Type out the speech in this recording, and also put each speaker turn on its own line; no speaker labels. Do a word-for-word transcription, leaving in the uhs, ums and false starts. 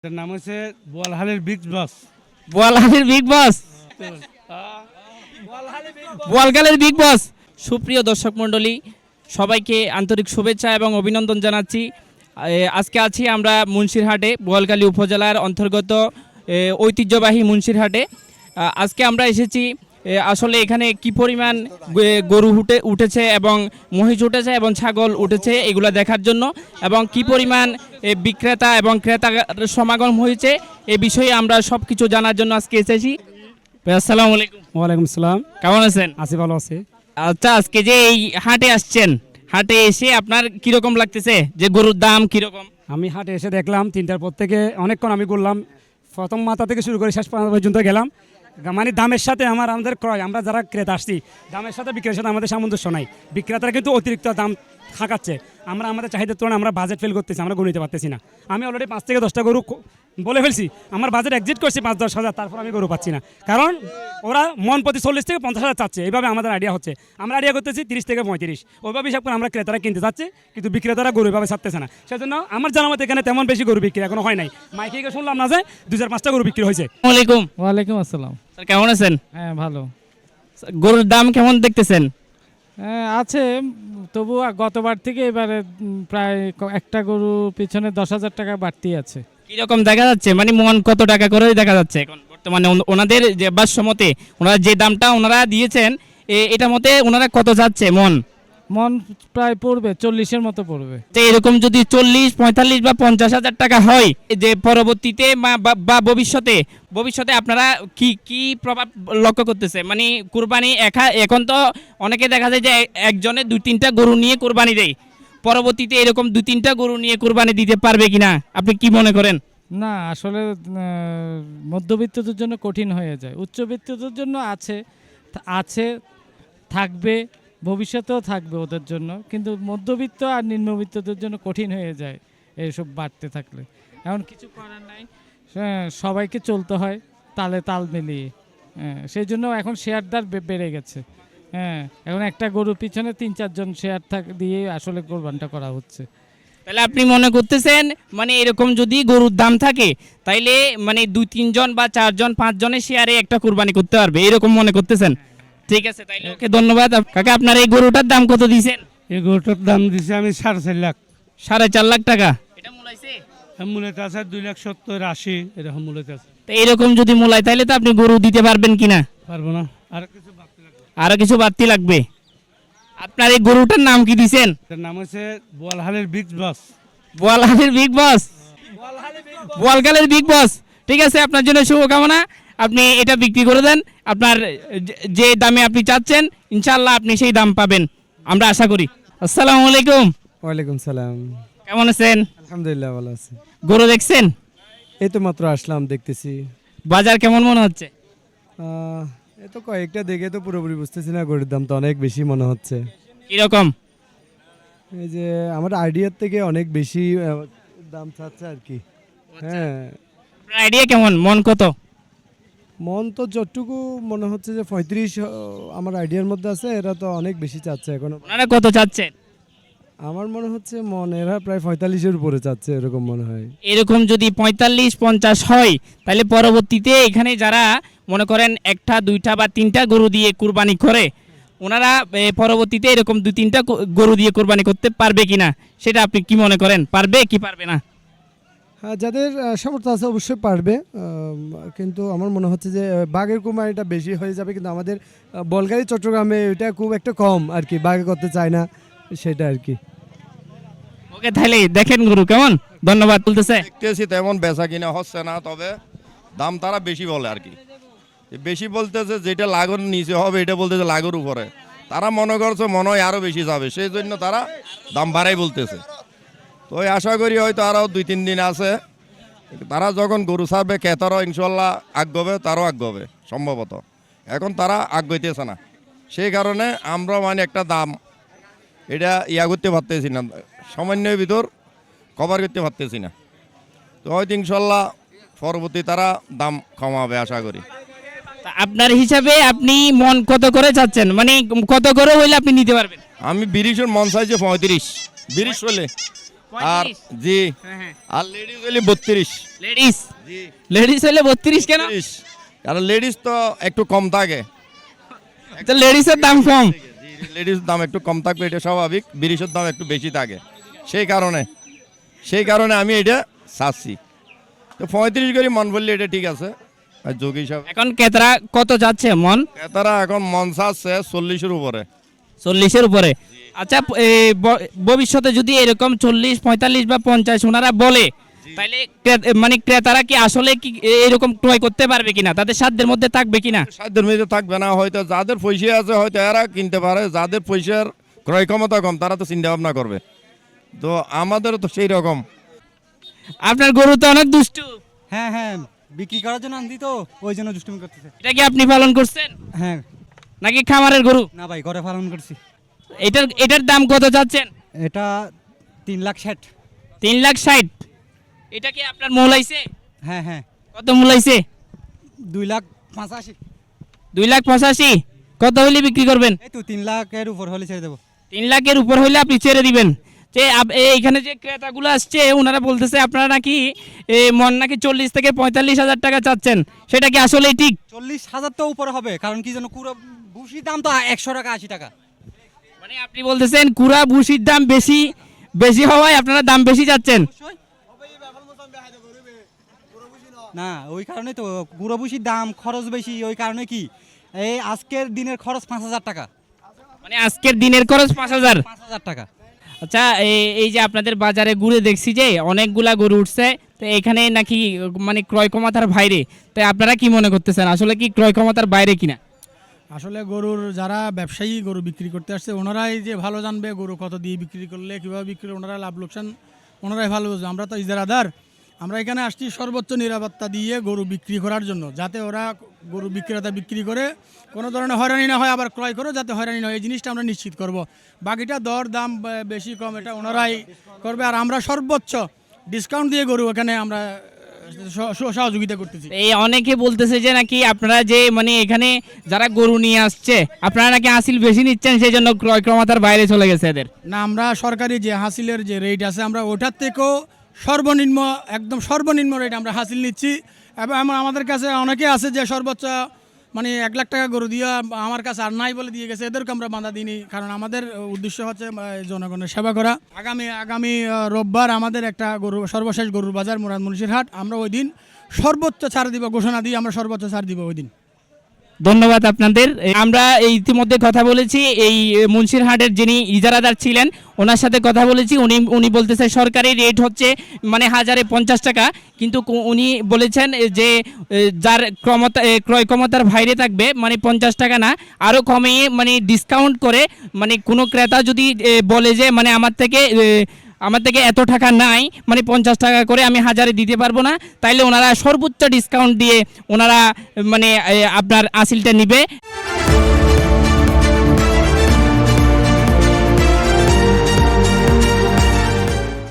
এটার নাম হচ্ছে বোয়ালহালের বিগ বস।
বোয়ালহালের বিগ বস বোয়ালখালের বিগ বস। সুপ্রিয় দর্শক মণ্ডলী, সবাইকে আন্তরিক শুভেচ্ছা এবং অভিনন্দন জানাচ্ছি। এ, আজকে আছি আমরা মুন্সিরহাটে, বোয়ালখালী উপজেলার অন্তর্গত এ, ঐতিহ্যবাহী মুন্সিরহাটে। আ, আজকে আমরা এসেছি এ, আসলে এখানে কি পরিমাণ গে- গরু উঠে উঠেছে এবং মহিষ উঠেছে এবং ছাগল উঠেছে এগুলো দেখার জন্য, এবং কি পরিমাণ এ, বিক্রেতা এবং ক্রেতার সমাগম হয়েছে এ বিষয়ে আমরা সব কিছু জানার জন্য আজকে এসেছি। ভাই, আসসালামু আলাইকুম।
ওয়ালাইকুম সালাম।
কেমন আছেন?
আছি, ভালো আছি।
আচ্ছা, আজকে যে এই হাটে আসছেন, হাটে এসে আপনার কিরকম লাগতেছে, যে গরুর দাম কিরকম?
আমি হাটে এসে দেখলাম তিনটার পর থেকে অনেকক্ষণ আমি ঘুরলাম, প্রথম মাথা থেকে শুরু করে শেষ পর্যন্ত গেলাম। মানে দামের সাথে আমার আমাদের ক্রয়, আমরা যারা ক্রেতা আসছি, দামের সাথে বিক্রেতার সাথে আমাদের সামঞ্জস্য নাই। বিক্রেতারা কিন্তু অতিরিক্ত দাম খাকাচ্ছে। আমরা আমাদের চাহিদার তুলনায় আমরা বাজেট ফেল করতেছি, আমরা গরু নিতে পারতেছি না। আমি অলরেডি পাঁচ থেকে দশটা গরু ক- বলে ফেলছি, আমার বাজেট এক্সিট করছি পাঁচ দশ হাজার, তারপর আমি গরু পাচ্ছি না। কারণ ওরা মন প্রতি চল্লিশ থেকে পঞ্চাশ হাজার চাচ্ছে, এইভাবে আমাদের আইডিয়া হচ্ছে। আমরা আইডিয়া করতেছি তিরিশ থেকে পঁয়ত্রিশ, ওইভাবে হিসাব করে আমরা ক্রেতারা কিনতে চাচ্ছি, কিন্তু বিক্রেতারা গরু এভাবে ছাড়তেছে না। সেজন্য আমার জানা মতে এখানে তেমন বেশি গরু বিক্রি এখনো হয় নাই। মাইকে শুনলাম না যে দু চার পাঁচটা গরু বিক্রি হয়েছে।
আসসালামু আলাইকুম।
ওয়ালাইকুম আসসালাম।
স্যার, কেমন আছেন?
হ্যাঁ, ভালো।
গরুর দাম কেমন দেখতেছেন?
হ্যাঁ, আছে, তবু গতবার থেকে এবারে উম, প্রায় ক- একটা গরু পিছনে দশ হাজার টাকা বাড়তি আছে।
কিরকম দেখা যাচ্ছে, মানে মন কত টাকা করে দেখা যাচ্ছে এখন বর্তমানে ওন- ওনাদের যে বাসমতে ওনারা যে দামটা ওনারা দিয়েছেন, এ- এটা মতে ওনারা কত যাচ্ছে মন?
মন প্রায় পড়বে চল্লিশের মতো পড়বে।
তো এরকম যদি চল্লিশ পঁয়তাল্লিশ বা পঞ্চাশ হাজার টাকা হয়, যে পরবর্তীতে বা- বা বা ভবিষ্যতে ভবিষ্যতে আপনারা কি কি প্রভাব লক্ষ্য করতেছে? মানে কুরবানি একা- এখন তো অনেকে দেখা যায় যে এ- একজনে দুই তিনটা গরু নিয়ে কুরবানি দেয়, পরবর্তীতে এরকম দুই তিনটা গরু নিয়ে কুরবানি দিতে পারবে কিনা আপনি কি মনে করেন?
না, আসলে আহ, মধ্যবিত্তদের জন্য কঠিন হয়ে যায়। উচ্চবিত্তদের জন্য আছে থা- আছে থাকবে, ভবিষ্যতেও থাকবে ওদের জন্য, কিন্তু মধ্যবিত্ত আর নিম্নবিত্তদের জন্য কঠিন হয়ে যায় এইসব বাড়তে থাকলে। এখন কিছু করার নাই, হ্যাঁ, সবাইকে চলতে হয় তালে তাল মিলিয়ে। হ্যাঁ, সেই জন্য এখন শেয়ারদার বে- বেড়ে গেছে। হ্যাঁ, এখন একটা গরুর পিছনে তিন চারজন শেয়ার থাক দিয়ে আসলে কোরবানটা করা হচ্ছে।
তাহলে আপনি মনে করতেছেন মানে এরকম যদি গরুর দাম থাকে, তাইলে মানে দুই তিনজন বা চারজন পাঁচজনের শেয়ারে একটা কুরবানি করতে পারবে, এরকম মনে করতেছেন? ঠিক আছে, তাইলে ওকে, ধন্যবাদ। আপ- কাকা, আপনার এই গরুটার দাম কত দিয়েছেন?
এই গরুটার দাম দিছি আমি সাড়ে চার লাখ।
সাড়ে চার লাখ টাকা। এটা মূলাইছে?
মূলত আছে দুই লাখ সত্তর আশি, এরকম মূলত আছে।
তো এরকম যদি মূলায়, তাইলে তো আপনি গরু দিতে পারবেন কিনা?
পারবো না, আর কিছু বাড়তি লাগবে।
আরো কিছু বাড়তি লাগবে। আপনার এই গরুটার নাম কি দিয়েছেন?
এটার নাম হচ্ছে বোয়ালহালের বিগ বস।
বোয়ালখালের বিগ বস। বোয়ালখালের বিগ বস। ঠিক আছে, আপনার জন্য শুভকামনা। আপনি এটা বিক্রি করে দেন, আপনার যে- যে দামে আপনি চাচ্ছেন, ইনশাআল্লাহ আপনি সেই দাম পাবেন, আমরা আশা করি। আসসালামু আলাইকুম।
ওয়ালাইকুম সালাম।
কেমন আছেন?
আলহামদুলিল্লাহ, ভালো আছি।
গরু দেখছেন?
এই তো মাত্র আসলাম, দেখতেছি।
বাজার কেমন মনে হচ্ছে?
আহ, এই তো কয়েকটা দেখে তো পুরোপুরি বুঝতেছি না, গরুর দাম তো অনেক বেশি মনে হচ্ছে।
কিরকম?
এই যে আমার আইডিয়ার থেকে অনেক বেশি আহ, দাম চাচ্ছে আর কি। হ্যাঁ,
আপনার আইডিয়া কেমন, মন কত?
মন তো যতটুকু মনে হচ্ছে যে পঁয়ত্রিশ আহ, আমার আইডিয়ার মধ্যে আছে, এরা তো অনেক বেশি চাচ্ছে এখনো।
ওনারা কত চাচ্ছেন?
আমার মনে হচ্ছে মন এরা প্রায় পঁয়তাল্লিশের উপরে চাচ্ছে, এরকম মনে হয়।
এরকম যদি পঁয়তাল্লিশ পঞ্চাশ হয়, তাহলে পরবর্তীতে এখানে যারা মনে করেন একটা দুইটা বা তিনটা গরু দিয়ে কুরবানি করে, ওনারা এ, পরবর্তীতে এরকম দুই তিনটা গ- গরু দিয়ে কুরবানি করতে পারবে কিনা, সেটা আপনি কি মনে করেন, পারবে কি পারবে না?
হ্যাঁ, যাদের আহ, সামর্থ্য আছে অবশ্যই পারবে, আম, কিন্তু আমার মনে হচ্ছে যে আহ, বাঘের কুরবানিটা বেশি হয়ে যাবে, কিন্তু আমাদের আহ, বলগাড়ি চট্টগ্রামে এটা খুব একটা কম আর কি, বাঘে করতে চায় না, সেটা আর কি।
ওকে, তাহলে দেখেন গরু কেমন। ধন্যবাদ। বলতেছে
দেখতেছি তেমন বেচা কিনা হচ্ছে না, তবে দাম তারা বেশি বলে আর কি। বেশি বলতেছে যেটা লাগর নিচে হবে, এটা বলতেছে লাগর উপরে। তারা মনে করছে মনে হয় আরও বেশি যাবে, সেই জন্য তারা দাম বাড়াই বলতেছে। তো ওই আশা করি হয়তো আরও দুই তিন দিন আছে, তারা যখন গরু ছাড়বে ক্রেতারও ইনশাল্লাহ আগ্রবে, তারও আগ্রবে সম্ভবত। এখন তারা আগ্রহইতেছে না, সেই কারণে আমরা মানে একটা দাম এটা ইয়া করতে পারতেছি না, সামান্যের ভিতর কভার করতে পারতেছি না। তো হয়তো ইনশাল্লাহ পরবর্তী তারা দাম কমাবে আশা করি।
তা আপনার হিসাবে আপনি মন কত করে চাচ্ছেন, মানে কত করে হইলে আপনি নিতে পারবেন?
আমি বিরিশের মন চাইছে পঁয়ত্রিশ, বিরিশ হলে আর জি আর লেডিস হলে বত্রিশ।
লেডিস
জি
লেডিস হলে বত্রিশ কেন?
বত্রিশ। কারণ লেডিস তো একটু কম থাকে,
তো লেডিসের দাম কম।
লেডিস দাম একটু কম থাকবে, এটা স্বাভাবিক। বিরিশের দাম একটু বেশি থাকে, সেই কারণে সেই কারণে আমি এটা চাচ্ছি। তো পঁয়ত্রিশ করে মন বললে এটা ঠিক আছে। আর যোগ হিসাবে
এখন ক্রেতারা কত যাচ্ছে মন?
তারা এখন মন চাচ্ছে চল্লিশের উপরে।
চল্লিশের উপরে। আচ্ছা, এ, ব- ভবিষ্যতে যদি এরকম চল্লিশ পঁয়তাল্লিশ বা পঞ্চাশ ওনারা বলে, তাহলে ক্রে- মানে ক্রেতারা কি আসলে কি এ- এরকম ক্রয় করতে পারবে কিনা, তাদের সাধ্যের মধ্যে থাকবে কিনা?
সাধ্যের মধ্যে থাকবে না, হয়তো যাদের পয়সা আছে হয়তো এরা কিনতে পারে, যাদের পয়সার ক্রয় ক্ষমতা কম তারা তো চিন্তা ভাবনা করবে। তো আমাদেরও তো সেই রকম।
আপনার গরু তো অনেক দুষ্টু,
হ্যাঁ হ্যাঁ বিক্রি করার জন্য আনছি তো, ওই জন্য দুষ্টুমি করতেছে।
এটা কি আপনি পালন করছেন
হ্যাঁ
নাকি খামারের গরু?
না ভাই, ঘরে পালন করছি।
এটার এটার দাম কত যাচ্ছেন?
এটা তিন লাখ ষাট।
তিন লাখ ষাট। এটা কি আপনার মূলাইছে?
হ্যাঁ হ্যাঁ
কত মূলাইছে?
দুই লাখ পঁচাশি।
দুই লাখ পঁচাশি। কত হইলে বিক্রি করবেন?
এই তো তিন লাখের উপর হলে ছেড়ে দেবো।
তিন লাখের উপর হইলে আপনি ছেড়ে দিবেন। যে আপ- এই- এইখানে যে ক্রেতাগুলো আসছে ওনারা বলতেছে আপনারা নাকি এ, মন নাকি চল্লিশ থেকে পঁয়তাল্লিশ হাজার টাকা চাচ্ছেন, সেটা কি আসলেই ঠিক?
চল্লিশ হাজার তো উপরে হবে, কারণ কি যেন পুরো ভুসির দাম তো একশো টাকা আশি টাকা।
মানে আপনি বলতেছেন কুড়া ভুসির দাম বেশি বেশি হওয়ায় আপনারা দাম বেশি চাচ্ছেন।
অবশ্যই। না ওই কারণে তো গুঁড়ো ভুসির দাম খরচ বেশি, ওই কারণে কি এই আজকের দিনের খরচ পাঁচ হাজার টাকা।
মানে আজকের দিনের খরচ পাঁচ হাজার।
পাঁচ হাজার টাকা।
আচ্ছা, এই- এই যে আপনাদের বাজারে ঘুরে দেখছি যে অনেকগুলা গরু উঠছে, তো এখানে নাকি মানে ক্রয় ক্ষমতার বাইরে, তাই আপনারা কি মনে করতেছেন আসলে কি ক্রয় ক্ষমতার বাইরে কিনা?
আসলে গরুর যারা ব্যবসায়ী গরু বিক্রি করতে আসছে ওনারাই যে ভালো জানবে গরু কত দিয়ে বিক্রি করলে কীভাবে বিক্রি করলে ওনারা লাভ লোকসান ওনারাই ভালো বুঝবে। আমরা তো ইজারাদার, আমরা এখানে আসছি সর্বোচ্চ নিরাপত্তা দিয়ে গরু বিক্রি করার জন্য, যাতে ওরা গরু বিক্রেতা বিক্রি করে কোনো ধরনের হয়রানি না হয়, আবার ক্রয় করে যাতে হয়রানি না হয়, এই জিনিসটা আমরা নিশ্চিত করব। বাকিটা দর দাম বে- বেশি কম এটা ওনারাই করবে, আর আমরা সর্বোচ্চ ডিসকাউন্ট দিয়ে গরু এখানে আমরা স- স- সহযোগিতা করতেছি।
এই অনেকে বলতেছে যে নাকি আপনারা যে মানে এখানে যারা গরু নিয়ে আসছে আপনারা নাকি হাসিল বেশি নিচ্ছেন, সেই জন্য ক্রয় ক্ষমতার বাইরে চলে গেছে এদের।
না, আমরা সরকারি যে হাসিলের যে রেট আছে আমরা ওটার থেকেও সর্বনিম্ন একদম সর্বনিম্ন রেট আমরা হাসিল নিচ্ছি। এবং আমার- আমাদের কাছে অনেকে আছে যে সর্বোচ্চ মানে এক লাখ টাকা গরু দিয়ে আমার কাছে আর নাই বলে দিয়ে গেছে, এদেরকে আমরা বাধা দিইনি, কারণ আমাদের উদ্দেশ্য হচ্ছে আহ, জনগণের সেবা করা। আগামী আগামী আহ, রোববার আমাদের একটা গরু সর্বশেষ গরুর বাজার মুরাদ মুন্সির হাট, আমরা ওই দিন সর্বোচ্চ ছাড় দিব, ঘোষণা দিয়ে আমরা সর্বোচ্চ ছাড় দিব ওই দিন।
ধন্যবাদ আপনাদের। এই আমরা এই ইতিমধ্যে কথা বলেছি এই মুন্সিরহাটের যিনি ইজারাদার ছিলেন ওনার সাথে কথা বলেছি। উনি উনি বলতেছে সরকারি রেট হচ্ছে মানে হাজারে পঞ্চাশ টাকা, কিন্তু কো- উনি বলেছেন যে এ, যার ক্ষমতা এ, ক্রয় ক্ষমতার বাইরে থাকবে মানে পঞ্চাশ টাকা না, আরও কমিয়ে মানে ডিসকাউন্ট করে, মানে কোনো ক্রেতা যদি এ, বলে যে মানে আমার থেকে এ, আমার থেকে এত টাকা নাই মানে পঞ্চাশ টাকা করে আমি হাজারে দিতে পারবো না, তাইলে ওনারা সর্বোচ্চ ডিসকাউন্ট দিয়ে ওনারা মানে এ, আপনার আসিলটা নিবে।